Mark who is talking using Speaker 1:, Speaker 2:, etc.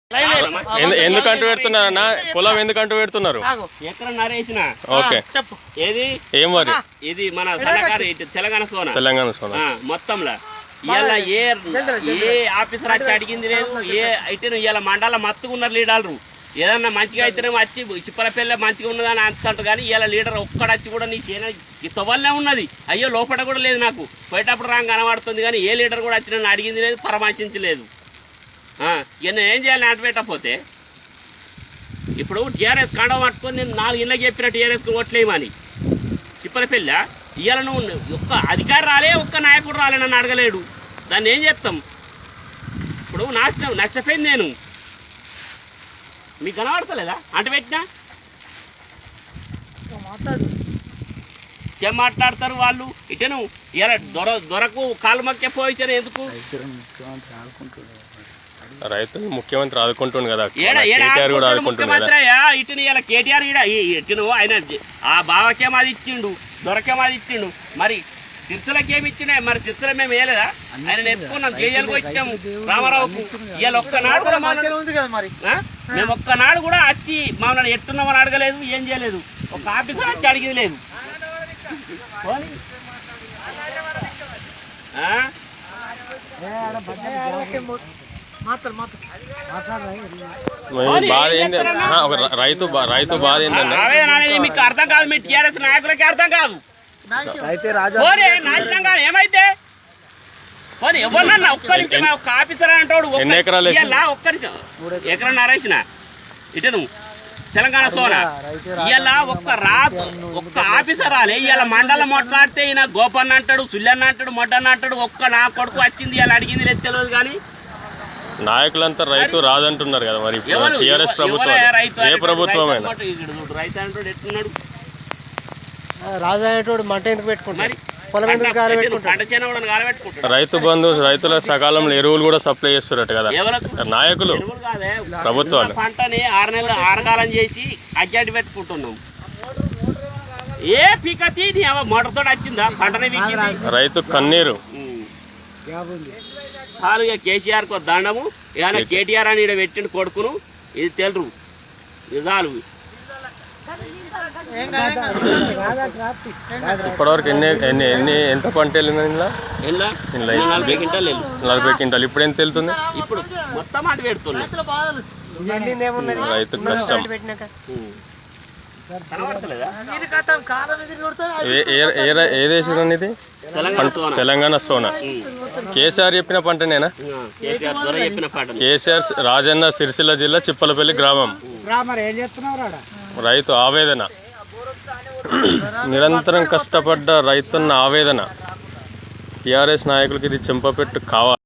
Speaker 1: ఎందుకంటూ పెడుతున్నారన్నా? పొలం ఎందుకంటూ పెడుతున్నారు?
Speaker 2: ఎక్కడ నరేసిన
Speaker 1: ఓకే
Speaker 2: ఏది
Speaker 1: ఏం వరి?
Speaker 2: ఇది మన తెలంగాణ సోనా మొత్తంలో ఇవాళ ఏ ఆఫీసర్ వచ్చి అడిగింది లేదు. ఏ అయితే ఇవాళ మండల మత్తుకున్నారు లీడర్లు. ఏదన్నా మంచిగా అయితేనే వచ్చి చిప్పలపల్లి మంచిగా ఉన్నదని అంటారు కానీ ఇవాళ లీడర్ ఒక్కడచ్చి కూడా నీ చేయన తొవ్వలనే ఉన్నది. అయ్యో లోపల కూడా లేదు. నాకు పోయేటప్పుడు రాంగ్ కనబడుతుంది కానీ ఏ లీడర్ కూడా వచ్చి నన్ను అడిగింది లేదు, పరామర్శించలేదు. ఇక నేను ఏం చేయాలి నాటు పెట్టకపోతే? ఇప్పుడు టీఆర్ఎస్ కండం పట్టుకొని నేను 4 ఇళ్ళకి చెప్పిన టీఆర్ఎస్కి ఓట్లేయమని చిప్పలపల్లి. ఇవాళ నువ్వు ఒక్క అధికారి రాలే, ఒక్క నాయకుడు రాలే, నన్ను అడగలేడు. దాన్ని ఏం చేస్తాం? ఇప్పుడు నష్టపోయింది నేను. మీకు కనబడతలేదా అంట పెట్టినా? ఏం మాట్లాడతారు వాళ్ళు? ఇటను ఇలా దొరకు కాలు మక్కే పోయించారు ఎందుకు?
Speaker 1: రైతులు ముఖ్యమంత్రి ఆదుకుంటుంది కదా,
Speaker 2: ముఖ్యమంత్రి ఇటును ఇలా కేటీఆర్ ఇటును ఆయన ఆ బావకేం అది ఇచ్చిండు, దొరకేం అది ఇచ్చిండు. మరి తిరుచులకేమి ఇచ్చిండే? మరి తిరుచుల మేము వేయలేదా? ఆయన ఎత్తుకున్నాం, జైలుకు వచ్చాము రామారావుకు. ఇవాళ ఒక్కనాడు కూడా మేము ఒక్కనాడు కూడా వచ్చి మమ్మల్ని ఎట్టున్నామని అడగలేదు, ఏం చేయలేదు. ఒక ఆఫీసర్ వచ్చి అడిగేది లేదు.
Speaker 1: రైతు బాధ ఏంటంటే
Speaker 2: మీకు అర్థం కాదు, మీ టీఆర్ఎస్ నాయకులకి అర్థం కాదు. ఏమైతే ఎవరన్నా ఒక్క నిమిషం ఒక ఆఫీసర్ అంటాడు. ఒక్క నిమిషం ఎకరం నరేసిన ఇటను తెలంగాణ సోనా ఇవాళ ఒక్క ఆఫీసర్ రాలే. ఇవాళ మండలం మాట్లాడితే ఈయన గోపన్న అంటాడు, సుల్లన్న అంటాడు, మొడ్డన్న అంటాడు. ఒక్క నా కొడుకు వచ్చింది ఇవాళ అడిగింది లేదు తెలియదు. కానీ
Speaker 1: నాయకులంతా రైతు రాదంటున్నారు కదా. మరి టీఆర్ఎస్ ప్రభుత్వం ఏ ప్రభుత్వమైనా
Speaker 2: రైతు అంటాడు ఎట్టున్నాడు?
Speaker 3: రాజు అనేటోడు మంట ఎందుకు పెట్టుకుంటాడు?
Speaker 1: రైతు బంధు రైతుల సకాలంలో ఎరువులు కూడా సప్లై చేస్తున్నట్టు కదా నాయకులు, ప్రభుత్వాలు.
Speaker 2: పంటని 6 నెలలు ఆరగాలం చేసి అడ్జాటి పెట్టుకుంటున్నాం. ఏ పీకతి మోటార్తో వచ్చిందా పంటనే?
Speaker 1: రైతు కన్నీరు.
Speaker 2: చాలు ఇక కేసీఆర్కు దండము. ఇక కేటీఆర్ అని ఇక్కడ పెట్టిండు కొడుకును. ఇది తెలురు చాలు.
Speaker 1: ఇప్పటివరకు ఎంత పంట వెళ్ళింది?
Speaker 2: 40 క్వింటాలు.
Speaker 1: 40 క్వింటాలు. ఇప్పుడు ఎంత వెళ్తుంది?
Speaker 2: ఇప్పుడు మొత్తం అటు పెడుతుంది.
Speaker 1: రైతు కష్టం. ఏ దేశం ఇది? తెలంగాణ సోనా. కేసీఆర్ చెప్పిన పంటనేనా? కేసీఆర్ రాజన్న సిరిసిల్ల జిల్లా చిప్పలపల్లి గ్రామం. రైతు ఆవేదన, నిరంతరం కష్టపడ్డ రైతున్న ఆవేదన. టీఆర్ఎస్ నాయకులకి ఇది చెంపపెట్టు కావాలి.